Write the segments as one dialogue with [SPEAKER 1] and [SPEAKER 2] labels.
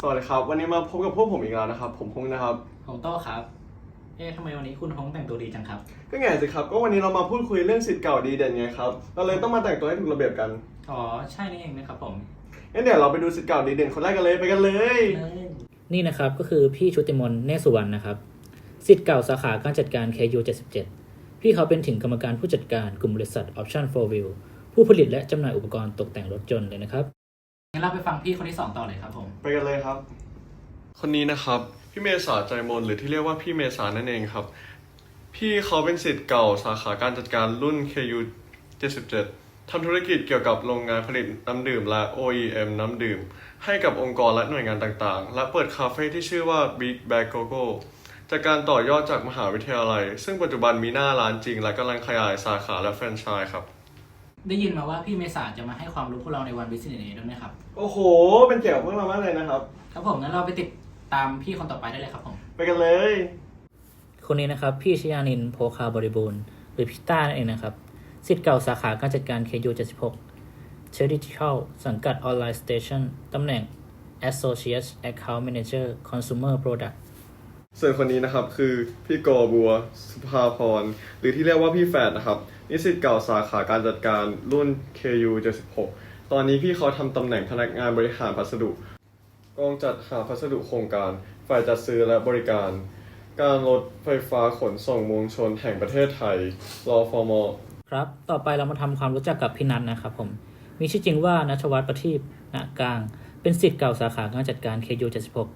[SPEAKER 1] สวัสดีครับวันนี้มาพบกับพวกผมอีกแล้วนะครับผมพงษ์นะครับ
[SPEAKER 2] ผมโต้ครับทำไมวันนี้คุณพงษ์แต่งตัวดีจังครับ
[SPEAKER 1] ก็ไงสิครับก็วันนี้เรามาพูดคุยเรื่องศิษย์เก่าดีเด่นไงครับเราเลยต้องมาแต่งตัวให้ถูกระเบียบกัน
[SPEAKER 2] อ๋อใช่นี่เองนะครับผม
[SPEAKER 1] งั้นเดี๋ยวเราไปดูศิษย์เก่าดีเด่นคนแรกกันเลยไปกันเลย
[SPEAKER 3] นี่นะครับก็คือพี่ชุติมนต์เนศสุวรรณนะครับศิษย์เก่าสาขาการจัดการ KU 77พี่เขาเป็นถึงกรรมการผู้จัดการกลุ่มบริษัท Option 4 Wheel ผู้ผลิตและจำหน่ายอุปกรณ์ตกแต่งรถยนต์เลยนะครับ
[SPEAKER 2] งั้นเราไปฟังพี่คนที่2ต่อเลยครับผม
[SPEAKER 1] ไปกันเลยครับคนนี้นะครับพี่เมษาใจมนหรือที่เรียกว่าพี่เมษานั่นเองครับพี่เขาเป็นศิษย์เก่าสาขาการจัดการรุ่น KU 77ทำธุรกิจเกี่ยวกับโรงงานผลิตน้ำดื่มและ OEM น้ำดื่มให้กับองค์กรและหน่วยงานต่างๆและเปิดคาเฟ่ที่ชื่อว่า Big Bag Coco จากการต่อยอดจากมหาวิทยาลัยซึ่งปัจจุบันมีหน้าร้านจริงและกำลังขยายสาขาและแฟรนไชส์ครับ
[SPEAKER 2] ได้ยินมาว่าพี่เมษาจะมาให้ความรู้พวกเราในวัน Business Day ด้วยไหมครับ
[SPEAKER 1] โอ้โหเป็นเกียรติพวกเรามากเลยนะครับ
[SPEAKER 2] ครับผมงั้นเราไปติดตามพี่คนต่อไปได้เลยครับผม
[SPEAKER 1] ไปกันเลย
[SPEAKER 3] คนนี้นะครับพี่ชยานินท์โภคาบริบูรณ์หรือพี่ต้านั่นเองนะครับศิษย์เก่าสาขาการจัดการ KU 76 Theoretical สังกัด Online Station ตำแหน่ง Associate Account Manager Consumer Product
[SPEAKER 1] ส่วนคนนี้นะครับคือพี่กอบัวสุภาพรหรือที่เรียกว่าพี่แฝดนะครับนิสิตเก่าสาขาการจัดการรุ่น KU 76ตอนนี้พี่เขาทำตำแหน่งพนักงานบริหารพัสดุกองจัดหาพัสดุโครงการฝ่ายจัดซื้อและบริการการรถไฟฟ้าขนส่งมวลชนแห่งประเทศไทยรฟม.
[SPEAKER 3] ครับต่อไปเรามาทำความรู้จักกับพี่นัทนะครับผมมีชื่อจริงว่าณัฐวัฒน์ประทีปณกลางเป็นศิษย์เก่าสาขาการจัดการ KU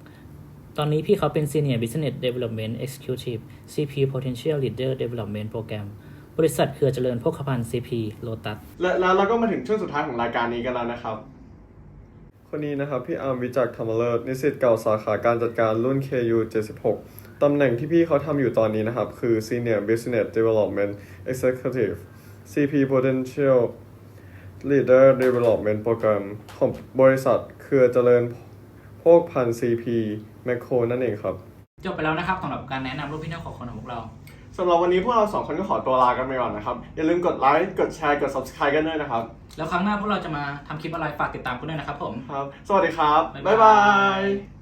[SPEAKER 3] 76ตอนนี้พี่เขาเป็น Senior Business Development Executive CP Potential Leader Development Program บริษัทเครือเจริญโภคภัณฑ์ CP Lotus
[SPEAKER 1] และเราก็มาถึงช่วงสุดท้ายของรายการนี้กันแล้วนะครับคนนี้นะครับพี่อาร์มวิจักรธรรมเลิศนิสิตเก่าสาขาการจัดการรุ่น KU 76ตำแหน่งที่พี่เขาทำอยู่ตอนนี้นะครับคือ Senior Business Development Executive CP Potential Leader Development Program ของบริษัทเครือเจริญโภคภัณฑ์ CP Macro นั่นเองครับ
[SPEAKER 2] จบไปแล้วนะครับสำหรับการแนะนำรูปพี่น้องของคนของพวกเรา
[SPEAKER 1] สำหรับวันนี้พวกเรา2คนก็ขอตัวลากันไปก่อนนะครับอย่าลืมกดไลค์กดแชร์กด Subscribe กันด้วยนะครับ
[SPEAKER 2] แล้วครั้งหน้าพวกเราจะมาทำคลิปอะไรฝากติดตามกันด้วยนะครับผม
[SPEAKER 1] ครับสวัสดีครับบ๊ายบาย